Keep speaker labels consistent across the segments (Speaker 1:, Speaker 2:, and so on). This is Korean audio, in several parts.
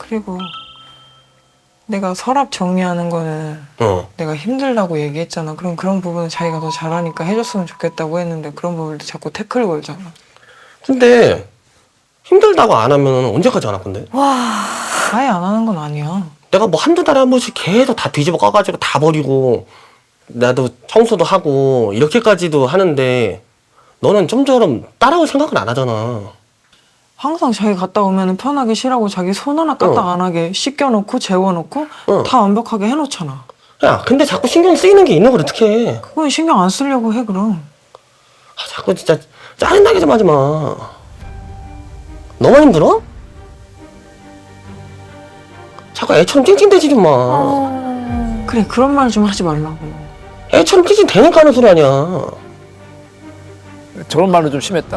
Speaker 1: 그리고 내가 서랍 정리하는 거는 내가 힘들다고 얘기했잖아. 그럼 그런 부분은 자기가 더 잘하니까 해줬으면 좋겠다고 했는데 그런 부분도 자꾸 태클 걸잖아.
Speaker 2: 근데 힘들다고 안 하면 언제까지 안 할 건데?
Speaker 1: 아예 안 하는 건 아니야.
Speaker 2: 내가 뭐 한두 달에 한 번씩 계속 다 뒤집어 까가지고 다 버리고 나도 청소도 하고 이렇게까지도 하는데 너는 좀처럼 따라올 생각은 안 하잖아.
Speaker 1: 항상 자기 갔다 오면 편하게 쉬라고 자기 손 하나 까딱 안 하게 씻겨놓고 재워놓고 다 완벽하게 해놓잖아.
Speaker 2: 야, 근데 자꾸 신경 쓰이는 게 있는 걸 어떡해.
Speaker 1: 그건 신경 안 쓰려고 해 그럼.
Speaker 2: 자꾸 진짜 짜증나게 좀 하지 마. 너만 힘들어? 자꾸 애처럼 찡찡대지 좀 마.
Speaker 1: 그래 그런 말 좀 하지 말라고.
Speaker 2: 애처럼 찡찡대니까 하는 소리 아니야.
Speaker 3: 저런 말은 좀 심했다.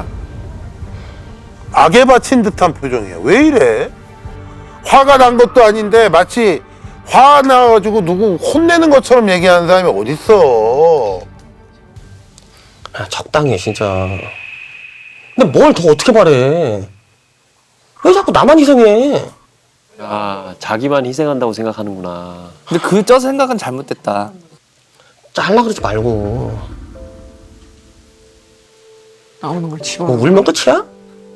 Speaker 4: 악에 바친 듯한 표정이야. 왜 이래? 화가 난 것도 아닌데 마치 화 나가지고 누구 혼내는 것처럼 얘기하는 사람이 어딨어.
Speaker 2: 야, 적당히 해 진짜. 근데 뭘 더 어떻게 바래. 왜 자꾸 나만 희생해.
Speaker 5: 아, 자기만 희생한다고 생각하는구나.
Speaker 3: 근데 저 생각은 잘못됐다.
Speaker 2: 잘라 그러지 말고.
Speaker 1: 나오는 걸 집어넣어.
Speaker 2: 뭐 울면 끝이야?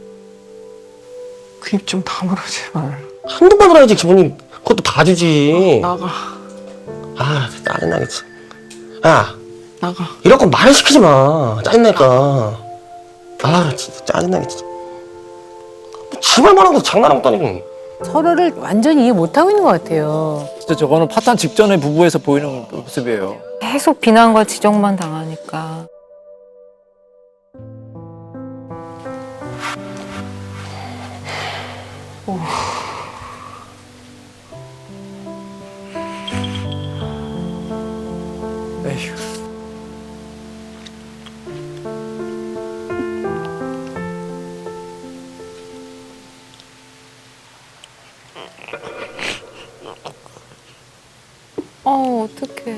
Speaker 1: 그 입 좀 다물어 제발.
Speaker 2: 한두 번 울어야지 기분이 그것도 봐주지.
Speaker 1: 나가.
Speaker 2: 아 짜증나겠지. 야
Speaker 1: 나가.
Speaker 2: 이럴 건 말을 시키지 마. 짜증나니까. 아 진짜 짜증나겠지. 지말 말하고 장난하고 다니고.
Speaker 6: 서로를 완전히 이해 못하고 있는 것 같아요.
Speaker 3: 진짜 저거는 파탄 직전의 부부에서 보이는 모습이에요.
Speaker 6: 계속 비난과 지적만 당하니까.
Speaker 3: 에휴.
Speaker 6: 어떡해.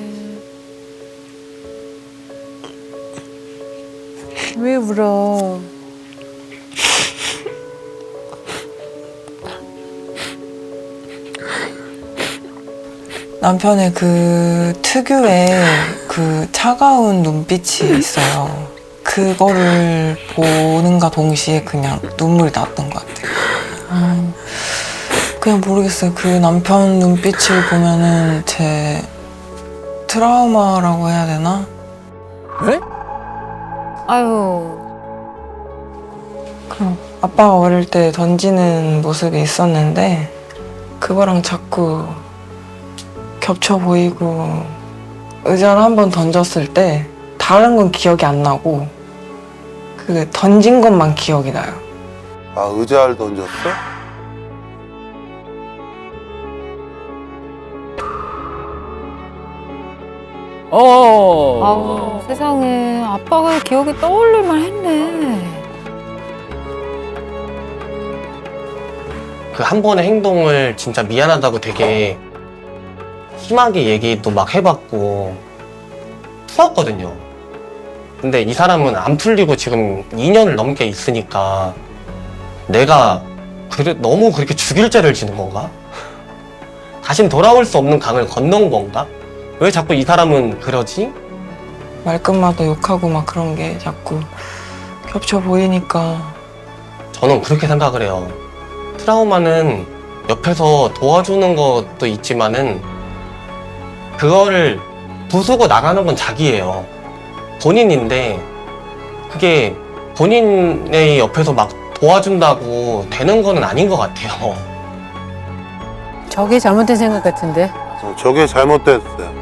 Speaker 6: 왜 울어?
Speaker 1: 남편의 그 특유의 그 차가운 눈빛이 있어요. 그거를 보는가 동시에 그냥 눈물이 났던 것 같아요. 그냥 모르겠어요. 그 남편 눈빛을 보면은 제 트라우마라고 해야 되나?
Speaker 3: 네?
Speaker 6: 아유.
Speaker 1: 그 아빠가 어릴 때 던지는 모습이 있었는데 그거랑 자꾸 겹쳐 보이고 의자를 한번 던졌을 때 다른 건 기억이 안 나고 그 던진 것만 기억이 나요.
Speaker 4: 아, 의자를 던졌어?
Speaker 6: 아우, 세상에. 아빠가 기억이 떠올릴만 했네.
Speaker 2: 그 한 번의 행동을 진짜 미안하다고 되게 심하게 얘기도 막 해봤고 풀었거든요. 근데 이 사람은 안 풀리고 지금 2년을 넘게 있으니까 내가 너무 그렇게 죽일 죄를 지는 건가? 다신 돌아올 수 없는 강을 건넌 건가? 왜 자꾸 이 사람은 그러지?
Speaker 1: 말끝마다 욕하고 막 그런 게 자꾸 겹쳐 보이니까
Speaker 2: 저는 그렇게 생각을 해요. 트라우마는 옆에서 도와주는 것도 있지만은 그거를 부수고 나가는 건 자기예요. 본인인데 그게 본인의 옆에서 막 도와준다고 되는 거는 아닌 것 같아요.
Speaker 6: 저게 잘못된 생각 같은데.
Speaker 4: 저게 잘못됐어요.